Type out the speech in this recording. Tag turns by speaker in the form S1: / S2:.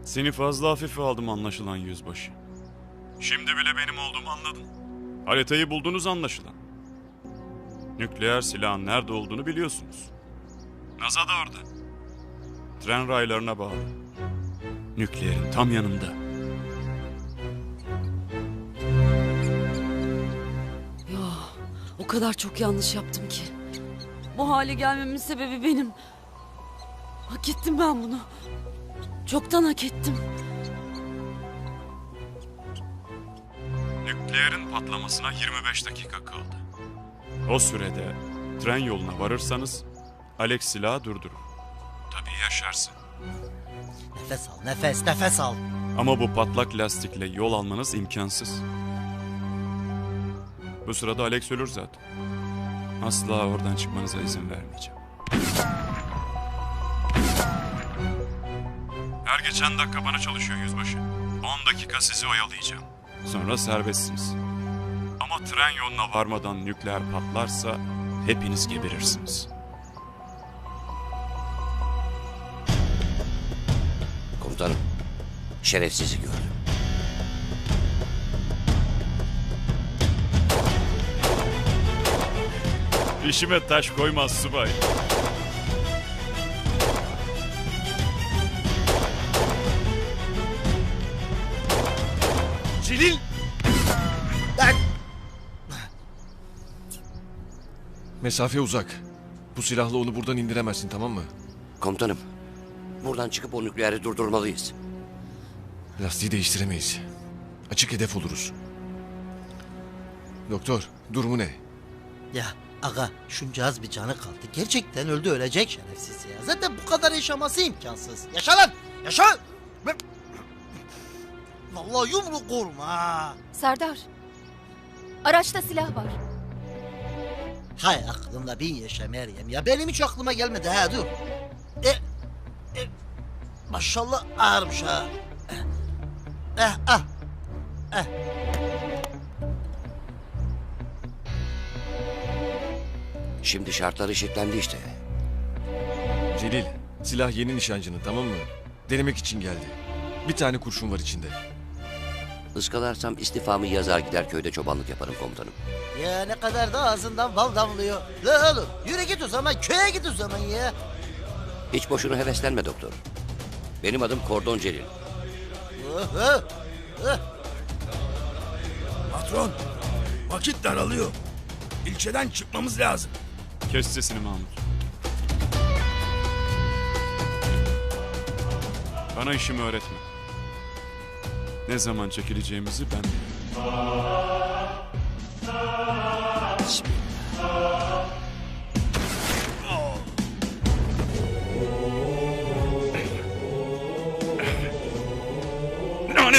S1: Seni fazla hafife aldım anlaşılan yüzbaşı. Şimdi bile benim olduğumu anladın. Haritayı buldunuz anlaşılan. Nükleer silahın nerede olduğunu biliyorsunuz. NASA da orada. Tren raylarına bağlı. Nükleerin tam yanında.
S2: Ya o kadar çok yanlış yaptım ki. Bu hale gelmemin sebebi benim. Hak ettim ben bunu. Çoktan hak ettim.
S1: Nükleerin patlamasına 25 dakika kaldı. O sürede tren yoluna varırsanız Alex silahı durdurur. Tabii yaşarsın.
S3: Nefes al, nefes al.
S1: Ama bu patlak lastikle yol almanız imkansız. Bu sırada Alex ölür zaten. Asla oradan çıkmanıza izin vermeyeceğim. Her geçen dakika bana çalışıyor yüzbaşı. 10 dakika sizi oyalayacağım. Sonra serbestsiniz. Ama tren yoluna varmadan nükleer patlarsa hepiniz geberirsiniz.
S4: Komutanım, şerefsizi gördüm.
S1: İşime taş koymaz subay.
S5: Celil! Mesafe uzak. Bu silahla onu buradan indiremezsin, tamam mı?
S4: Komutanım, buradan çıkıp o nükleeri durdurmalıyız.
S5: Lastiği değiştiremeyiz. Açık hedef oluruz. Doktor, durumu ne?
S3: Ya aga şunca az bir canı kaldı. Gerçekten öldü, ölecek şerefsiz ya. Zaten bu kadar yaşaması imkansız. Yaşa lan! Yaşa! Vallahi yumruk vurma ha.
S6: Serdar, araçta silah var.
S3: Hay aklımda bin yaşa Meryem ya. Benim hiç aklıma gelmedi ha, dur. Maşallah ağırmış ha. Ah.
S4: Şimdi şartlar eşitlendi işte.
S5: Celil, silah yeni nişancının, tamam mı? Denemek için geldi. Bir tane kurşun var içinde.
S4: Iskalarsam istifamı yazar gider köyde çobanlık yaparım komutanım.
S3: Ya ne kadar da ağzından bal damlıyor. La oğlum yürü git o zaman, köye git o zaman ya.
S4: Hiç boşuna heveslenme doktor. Benim adım Kordon Celil.
S7: Patron, vakit daralıyor. İlçeden çıkmamız lazım.
S1: Kes sesini Mahmut. Bana işimi öğretme. Ne zaman çekileceğimizi ben bilirim.